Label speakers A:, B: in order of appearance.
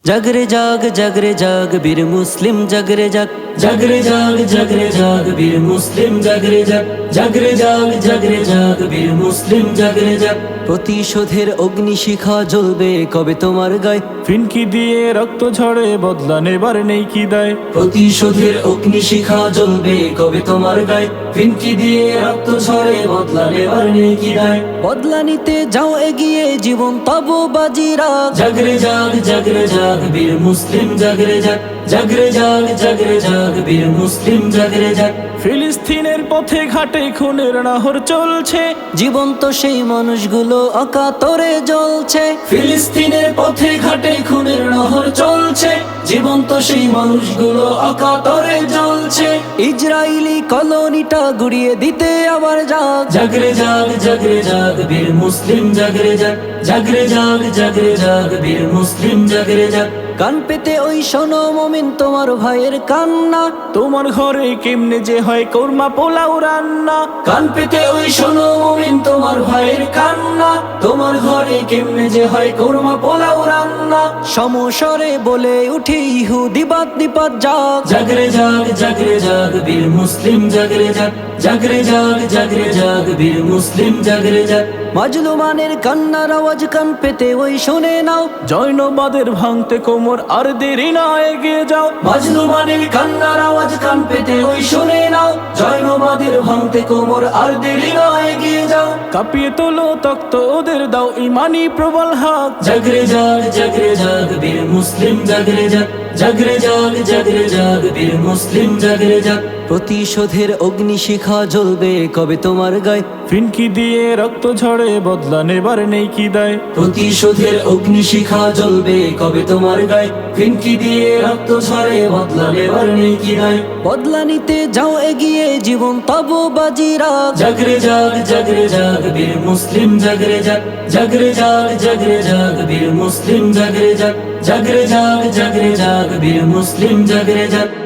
A: জাগরে জাগ জাগরে জাগ বীর মুসলিম জাগরে জাগ জাগরে জাগ জাগরে জাগ বীর মুসলিম জাগরে জাগ জাগরে জাগ জাগরে জাগ বীর মুসলিম জাগরে জাগ প্রতিশোধের অগ্নিশিখা জ্বলবে কবে তোমার গায়ে
B: ফিনকি দিয়ে রক্ত ঝরে বদলা নেবার নেই কি দায়
A: প্রতিশোধের অগ্নিশিখা জ্বলবে কবে তোমার গায়ে ফিনকি দিয়ে রক্ত ঝরে বদলা নেবার নেই কি দায় বদলা নিতে যাও এগিয়ে জীবন তব বাজিরা জাগরে জাগ জাগরে জাগ বীর মুসলিম জাগরে জাগ জাগরে জাগ জাগরে জাগ বীর মুসলিম জাগরে জাগ
B: ফিলিস্তিনের পথে ঘাটে খুনের নাহর চলছে
A: জীবন্ত সেই মানুষগুলো অকাতরে জ্বলছে ফিলিস্তিনের পথে ঘাটে খুনের নহর চলছে জীবন্ত সেই মানুষগুলো অকাতরে জ্বলছে ইসরায়েলি কলোনিটা গুড়িয়ে দিতে আবার জাগ জাগরে জাগ জাগরে জাগ বীর মুসলিম জাগরে জাগ জাগরে জাগ জাগরে জাগ বীর মুসলিম জাগরে জাগ কান পেতে ওই শোনো মুমিন তোমার ভাইয়ের কান্না
B: তোমার ঘরে কেমনে যে হয় কোরমা পোলাও রান্না
A: কান পেতে ওই শোনো মুমিন তোমার ভাইয়ের কান্না তোমার ঘরে কেমনে যে হয় কোরমা পোলাও রান্না সমস্বরে বলে উঠে ইহুদি বাদ নিপাত জাগ জাগরে জাগ জাগরে জাগ বীর মুসলিম জাগরে জাগ জাগরে জাগ জাগরে জাগ বীর মুসলিম জাগরে জাগ মাজলুমানের কান্নার আওয়াজ কান পেতে ওই শুনে নাও
B: জৈনবাদের ভাঙতে কোমর আর দেরি না এগিয়ে যাও
A: মাজলুমানের কান্নার আওয়াজ কান পেতে ওই শুনে নাও জৈনবাদের ভাঙতে কোমর আর দেরি না এগিয়ে যাও
B: কাঁপিয়ে তোলো তক্ত ওদের দাও ইমানি প্রবল হাত
A: জাগরে জাগ জাগরে জাগ বীর মুসলিম জাগরে জাগ জাগরে জাগ জাগরে জাগ বীর মুসলিম জাগরে জাগ প্রতিশোধের অগ্নিশিখা জ্বলবে কবে তোমার গায়ে
B: ফিনকি দিয়ে রক্ত ঝরে বদলা নেবার নেই কি দায়
A: প্রতিশোধের অগ্নিশিখা জ্বলবে কবে তোমার গায়ে ফিনকি দিয়ে রক্ত ঝরে বদলা নেবার নেই কি দায় বদলা নিতে যাও এগিয়ে জীবন তব বাজিরা জাগরে জাগ জাগরে জাগ বীর মুসলিম জাগরে জাগ জাগরে জাগ জাগরে জাগ বীর মুসলিম জাগরে জাগ জাগরে জাগ জাগরে জাগ বীর মুসলিম জাগরে জাগ